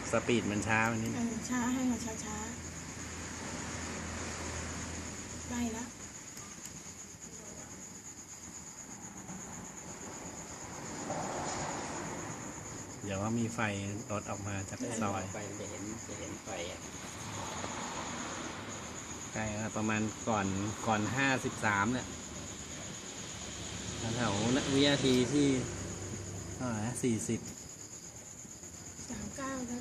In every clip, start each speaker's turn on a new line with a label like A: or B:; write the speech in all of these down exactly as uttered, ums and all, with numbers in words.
A: สปีดมันช้ามันนิด
B: เออช้าให้มันช้าช้าใกล้แล้ว
A: เดี๋ยวว่ามีไฟรถออกมาจากซอย
C: ไฟจะเห็นจะเห็นไฟอ่ะ
A: ใกล้แล้วประมาณก่อนก่อนห้าสิบสามเนี่ยแถวๆวินาทีที่เท่าไหร่สี่สิบ
B: สามเก้าแล้ว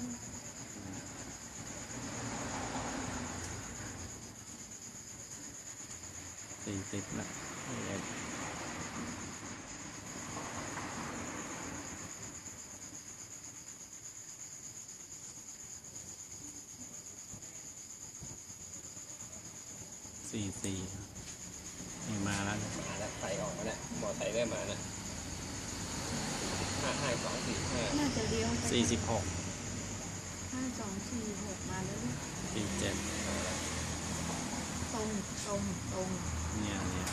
A: สี่สิบละสี่สี่นี่มาแล้วนะ
C: มาแล้วไฟออกมาแล้วมอไซค์ได้มาแล้วห้าห้าสองสี่ห้า
B: น่าจะเลี้ยวไป
A: สี่สิบหก
B: ห้าสองสี่หกมาแล้วลูก
A: สี่เจ็ด
B: ตรงตรงตรง
A: เนี่ยเนี่ย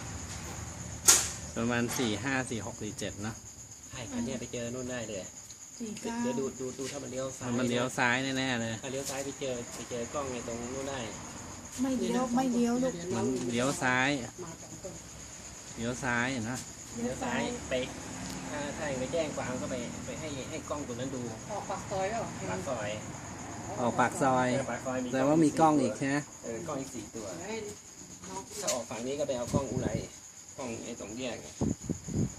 A: ประมาณสี่ห้าสี่หกสี่เจ็ดเนาะ
C: ใช่คันเนี้ยไปเจอนู่นได้เลย
B: สี่เก้า
C: เดี๋ยวดูดูดูถ้ามันเลี้ยวซ้าย
A: มันเลี้ยวซ้ายแน่ๆเลย
C: ถ้าเลี้ยวซ้ายไปเจอไปเจอกล้องในตรงนู้นได้
B: ไม่เลี้ยวไม่เลี้ยวลูก
A: มันเลี้ยวซ้ายเลี้ยวซ้ายนะ
C: เลี้ยวซ้ายไปถ้าถ้าไปแจ้งความก็ไปไปให้ให้กล้องตรงนั้นดู
D: ออกปากซอยแล้ว
C: ปากซอย
A: ออกปากซอย
C: เออปากซอย
A: แต่ว่ามีกล้องอีกใช่ไหม
C: เออกล้องอีกสี่ตัว
D: ให้น้อง
C: ถ้าออกฝั่งนี้ก็ไปเอากล้องอุไรกล้องไอ้ตรงแยก